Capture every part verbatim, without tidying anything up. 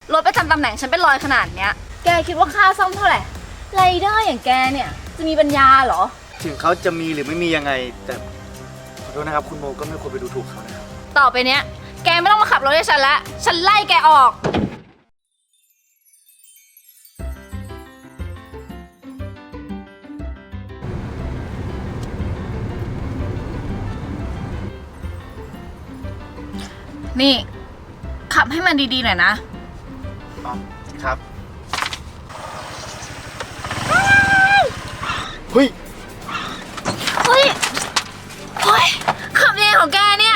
รถประจำตำแหน่งฉันเป็นรอยขนาดเนี้ยแกคิดว่าค่าซ่อมเท่าไหร่ไรเดอร์อย่างแกเนี่ยจะมีปัญญาเหรอถึงเขาจะมีหรือไม่มียังไงแต่ขอโทษนะครับคุณโมก็ไม่ควรไปดูถูกเขานะครับต่อไปเนี้ยแกไม่ต้องมาขับรถให้ฉันละฉันไล่แกออกนี่ขับให้มันดีๆหน่อยนะอ๋อครับเฮ้ยเฮ้ยเฮ้ยขับยังไงของแกเนี่ย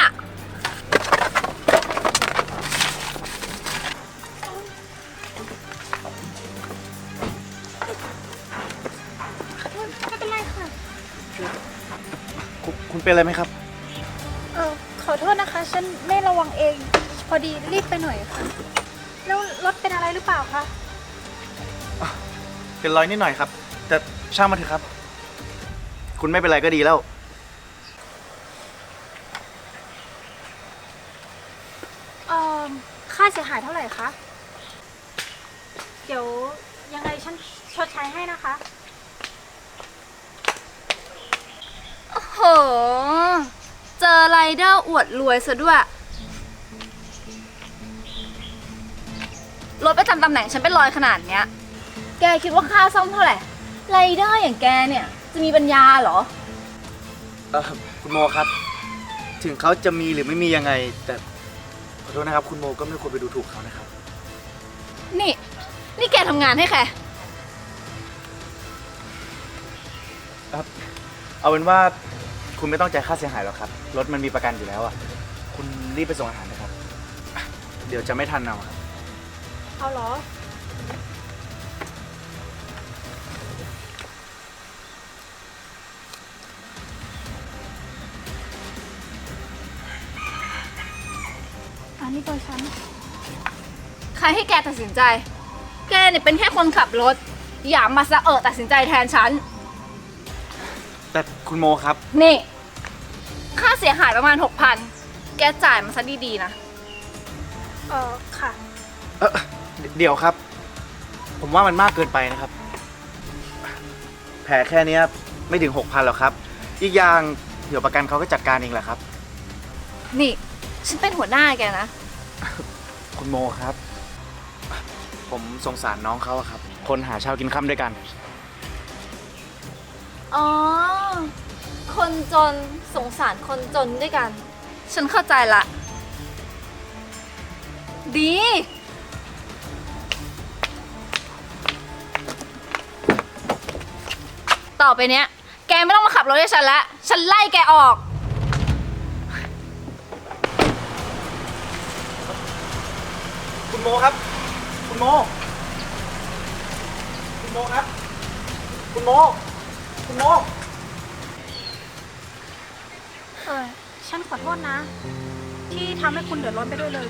ไม่เป็นไรค่ะคุณคุณเป็นอะไรไหมครับเออขอโทษนะคะฉันไม่ระวังเองพอดีรีบไปหน่อยค่ะแล้วรถเป็นอะไรหรือเปล่าคะเป็นรอยนิดหน่อยครับแต่ช่างมันเถอะครับคุณไม่เป็นไรก็ดีแล้วเอ่อค่าเสียหายเท่าไหร่คะเดี๋ยวยังไงฉันชดใช้ให้นะคะโอ้โหเจอไรเดอร์อวดรวยซะด้วยรถประจำตำแหน่งฉันเป็นรอยขนาดเนี้ยแกคิดว่าค่าซ่อมเท่าไหร่ไรเดอร์อย่างแกเนี่ยจะมีปัญญาเหรอเออคุณโมครับถึงเขาจะมีหรือไม่มียังไงแต่ขอโทษนะครับคุณโมก็ไม่ควรไปดูถูกเขานะครับนี่นี่แกทำงานให้ใครครับเอาเป็นว่าคุณไม่ต้องจ่ายค่าเสียหายหรอกครับรถมันมีประกันอยู่แล้วอ่ะคุณรีบไปส่งอาหารนะครับเดี๋ยวจะไม่ทันเอาครับเอาเหรออันนี้ตัวฉันใครให้แกตัดสินใจแกเนี่ยเป็นแค่คนขับรถอย่ามาสะเออตัดสินใจแทนฉันแต่คุณโมครับนี่ค่าเสียหายประมาณหกพันแกจ่ายมาซะดีๆนะเออค่ะเออเดี๋ยวครับผมว่ามันมากเกินไปนะครับแผลแค่นี้ไม่ถึงหกพันหรอกครับอีกอย่างเดี๋ยวประกันเขาก็จัดการเองแหละครับนี่ฉันเป็นหัวหน้าแกนะคุณโมครับผมสงสารน้องเขาครับคนหาเช้ากินค่ำด้วยกันอ๋อคนจนสงสารคนจนด้วยกันฉันเข้าใจละดีต่อไปเนี้ยแกไม่ต้องมาขับรถให้ฉันละฉันไล่แกออกคุณโมครับคุณโมคุณโมครับคุณโมคุณโมเออฉันขอโทษนะที่ทำให้คุณเดือดร้อนไปด้วยเลย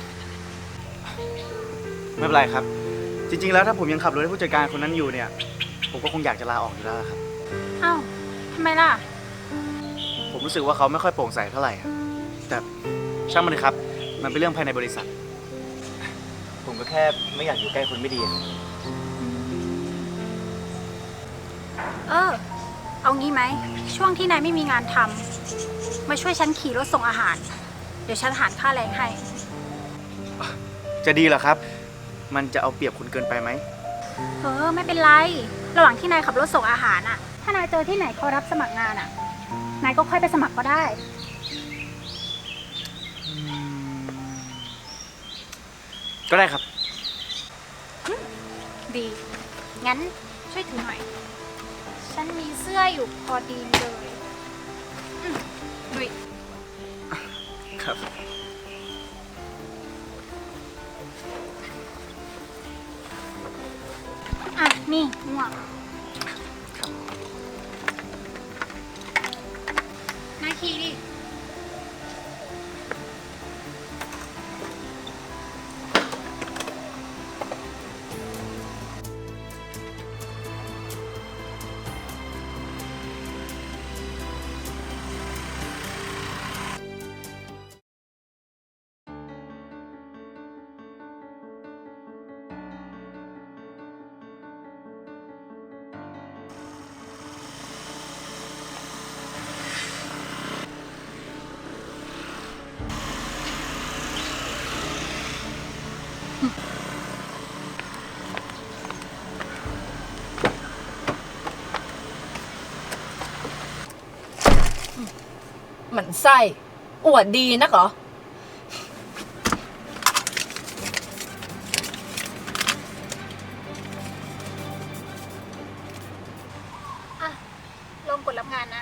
ไม่เป็นไรครับจริงๆแล้วถ้าผมยังขับรถให้ผู้จัดการคนนั้นอยู่เนี่ยผมก็คงอยากจะลาออกอยู่แล้วครับอ้าวทำไมล่ะผมรู้สึกว่าเขาไม่ค่อยโปร่งใสเท่าไหร่แต่ช่างมันเลยครับมันเป็นเรื่องภายในบริษัทผมก็แค่ไม่อยากอยู่ใกล้คนไม่ดีเออเอางี้ไหมช่วงที่นายไม่มีงานทำมาช่วยฉันขี่รถส่งอาหารเดี๋ยวฉันหารค่าแรงให้จะดีเหรอครับมันจะเอาเปรียบคุณเกินไปไหมเออไม่เป็นไรระหว่างที่นายขับรถส่งอาหารอ่ะถ้านายเจอที่ไหนเขารับสมัครงานอ่ะนายก็ค่อยไปสมัครก็ได้ก็ได้ครับดีงั้นช่วยถือหน่อยฉันมีเสื้ออยู่พอดีเลยดุยครับอ่ะนี่หมวกนายขี่ดิไส้ อวดดีนักเหรออ่ะ ลงกดรับงานนะ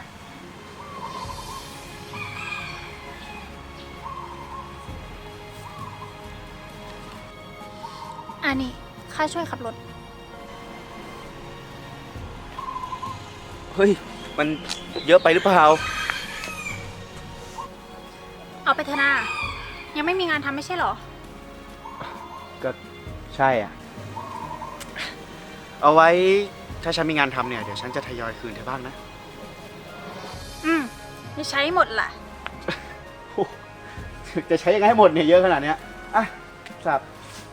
อันนี้ค่าช่วยขับรถเฮ้ย มันเยอะไปหรือเปล่าเอาไปเถอะนายังไม่มีงานทำไม่ใช่เหรอก็ใช่อ่ะ เอาไว้ถ้าฉันมีงานทำเนี่ย เดี๋ยวฉันจะทยอยคืนเธอบ้างนะอืมไม่ใช้หมดล่ะจะใช้ยังไงให้หมดเนี่ยเยอะขนาดเนี้ยอ่ะสับ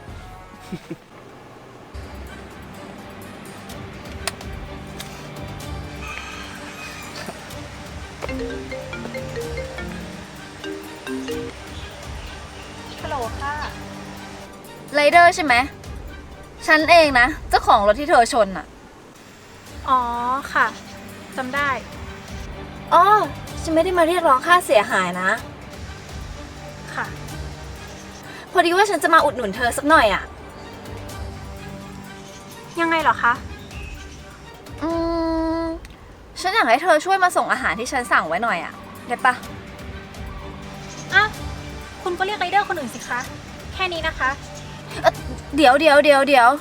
ฮัลโหลค่ะไรเดอร์ใช่ไหม ฉันเองนะ เจ้าของรถที่เธอชนอะอ๋อค่ะจำได้อ๋อ ฉันไม่ได้มาเรียกร้องค่าเสียหายนะค่ะพอดีว่าฉันจะมาอุดหนุนเธอสักหน่อยอะยังไงเหรอคะอืม ฉันอยากให้เธอช่วยมาส่งอาหารที่ฉันสั่งไว้หน่อยอะได้ปะอ่ะ คุณก็เรียกไรเดอร์คนอื่นสิคะ แค่นี้นะคะเอ่อเดี๋ยวเดี๋ยวเดี๋ยวเดี๋ยว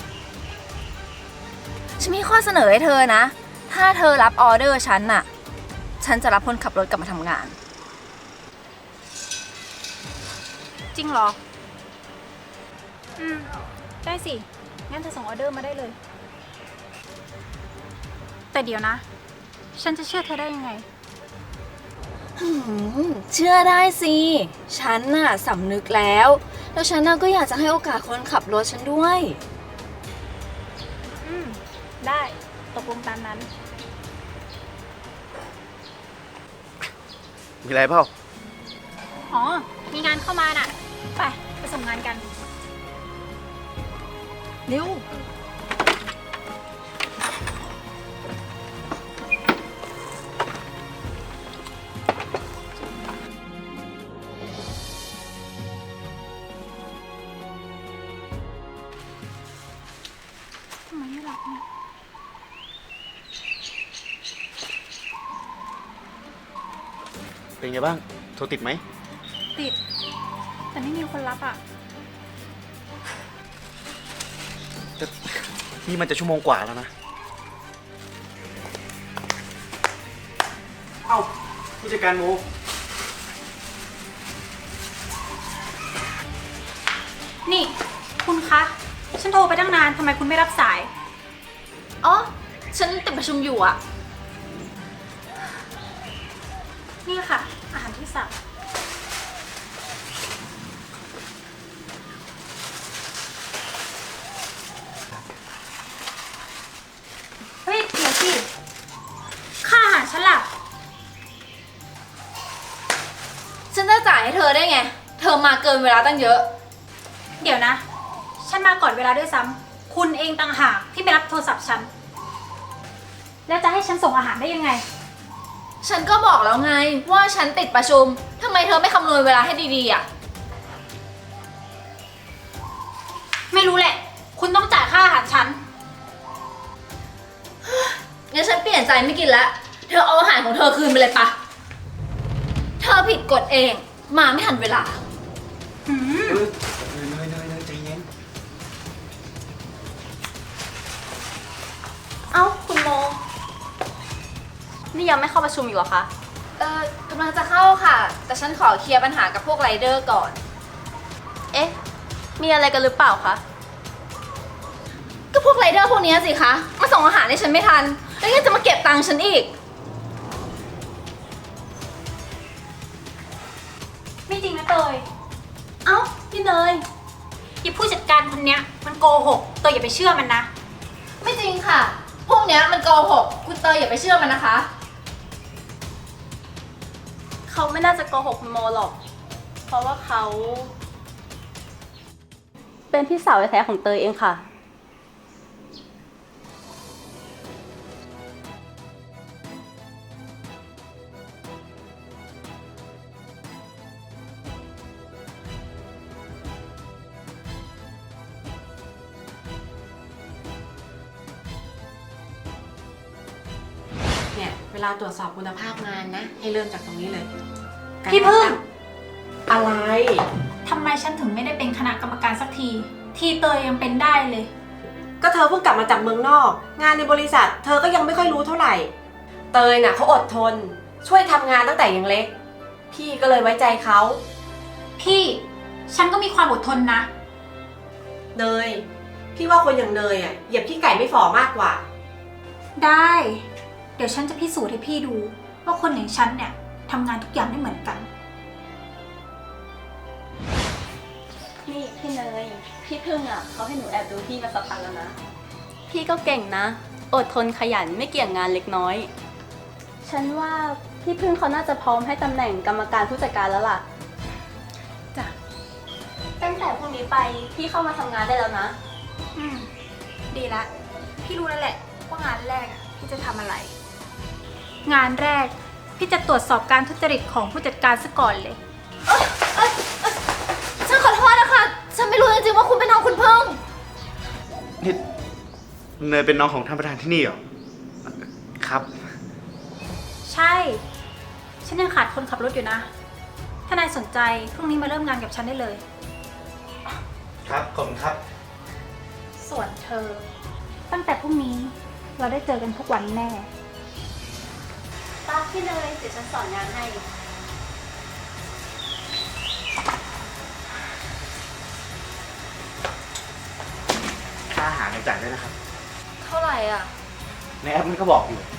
ฉันมีข้อเสนอให้เธอนะ ถ้าเธอรับออเดอร์ฉันน่ะ ฉันจะรับคนขับรถกลับมาทำงานจริงเหรอ อืม ได้สิ งั้นเธอส่งออเดอร์มาได้เลย แต่เดี๋ยวนะ ฉันจะเชื่อเธอได้ยังไงอืมเชื่อได้สิ ฉันน่ะสำนึกแล้ว แล้วฉันน่ะก็อยากจะให้โอกาสคนขับรถฉันด้วยอืม ได้ ตกลงตามนั้นมีอะไรเปล่าอ๋อ มีงานเข้ามาน่ะ ไป ไปส่งงานกันเร็วทำไมไม่รับเนี่ยเป็นไงบ้าง โทรติดไหมติด แต่ไม่มีคนรับอ่ะแต่นี่มันจะชั่วโมงกว่าแล้วนะ เอ้าผู้จัดการโมนี่ คุณคะ ฉันโทรไปตั้งนาน ทำไมคุณไม่รับสายอ๋อ ฉันติดประชุมอยู่อะนี่ค่ะ อาหารที่สั่งเฮ้ย เดี๋ยวสิ ค่าอาหารฉันล่ะฉันจะจ่ายให้เธอได้ไง เธอมาเกินเวลาตั้งเยอะเดี๋ยวนะ ฉันมาก่อนเวลาด้วยซ้ำ คุณเองต่างหากที่ไม่รับโทรศัพท์ฉัน แล้วจะให้ฉันส่งอาหารได้ยังไงฉันก็บอกแล้วไงว่าฉันติดประชุม ทำไมเธอไม่คำนวณเวลาให้ดีๆอะไม่รู้แหละ คุณต้องจ่ายค่าอาหารฉันงั้นฉันเปลี่ยนใจไม่กินแล้ว เธอเอาอาหารของเธอคืนไปเลยปะ เธอผิดกฎเอง มาไม่ทันเวลาหืมเออเนยเนยเนยใจเย็นเอ้า คุณโม นี่ยังไม่เข้าประชุมอีกเหรอคะเออกำลังจะเข้าค่ะ แต่ฉันขอเคลียร์ปัญหากับพวกไรเดอร์ก่อนเอ๊ะ มีอะไรกันหรือเปล่าคะก็พวกไรเดอร์พวกเนี้ยสิคะ มาส่งอาหารให้ฉันไม่ทัน แล้วยังจะมาเก็บตังค์ฉันอีกไม่จริงนะเตยเอ้า พี่เนยอีผู้จัดการคนเนี้ยมันโกหกเตยอย่าไปเชื่อมันนะไม่จริงค่ะ พวกเนี้ยมันโกหก คุณเตยอย่าไปเชื่อมันนะคะเขาไม่น่าจะโกหกคุณโมหรอก เพราะว่าเขา เป็นพี่สาวแท้ๆของเตยเองค่ะลาตรวจสอบคุณภาพงานนะ ให้เริ่มจากตรงนี้เลยพี่พึ่งอะไรทำไมฉันถึงไม่ได้เป็นคณะกรรมการสักที ที่เตยยังเป็นได้เลยก็เธอเพิ่งกลับมาจากเมืองนอก งานในบริษัท เธอก็ยังไม่ค่อยรู้เท่าไหร่ เตยน่ะเขาอดทน ช่วยทำงานตั้งแต่ยังเล็ก พี่ก็เลยไว้ใจเขาพี่ ฉันก็มีความอดทนนะเนย พี่ว่าคนอย่างเนยอ่ะเหยียบขี้ไก่ไม่ฝ่อมากกว่าได้ เดี๋ยวฉันจะพิสูจน์ให้พี่ดู ว่าคนอย่างฉันเนี่ยทำงานทุกอย่างไม่เหมือนกันนี่พี่เนย พี่พึ่งอ่ะเขาให้หนูแอบดูพี่มาสักพักแล้วนะ พี่ก็เก่งนะ อดทนขยันไม่เกี่ยงงานเล็กน้อย ฉันว่าพี่พึ่งเขาน่าจะพร้อมให้ตำแหน่งกรรมการผู้จัดการแล้วล่ะจ้ะตั้งแต่พรุ่งนี้ไปพี่เข้ามาทำงานได้แล้วนะอืม ดีละ พี่รู้แล้วแหละว่างานแรกอะพี่จะทำอะไร งานแรก พี่จะตรวจสอบการทุจริตของผู้จัดการซะก่อนเลยฉันขอโทษนะคะ ฉันไม่รู้จริงๆว่าคุณเป็นน้องคุณพึ่งนี่เนยเป็นน้องของท่านประธานที่นี่เหรอ ครับใช่ ฉันยังขาดคนขับรถอยู่นะ ถ้านายสนใจพรุ่งนี้มาเริ่มงานกับฉันได้เลยครับ ขอบคุณครับส่วนเธอ ตั้งแต่พรุ่งนี้เราได้เจอกันทุกวันแน่ตาพี่เนยเดี๋ยวฉันสอนงานให้ค่าอาหารจ่ายได้นะครับเท่าไหร่อ่ะในแอปมันก็บอกอยู่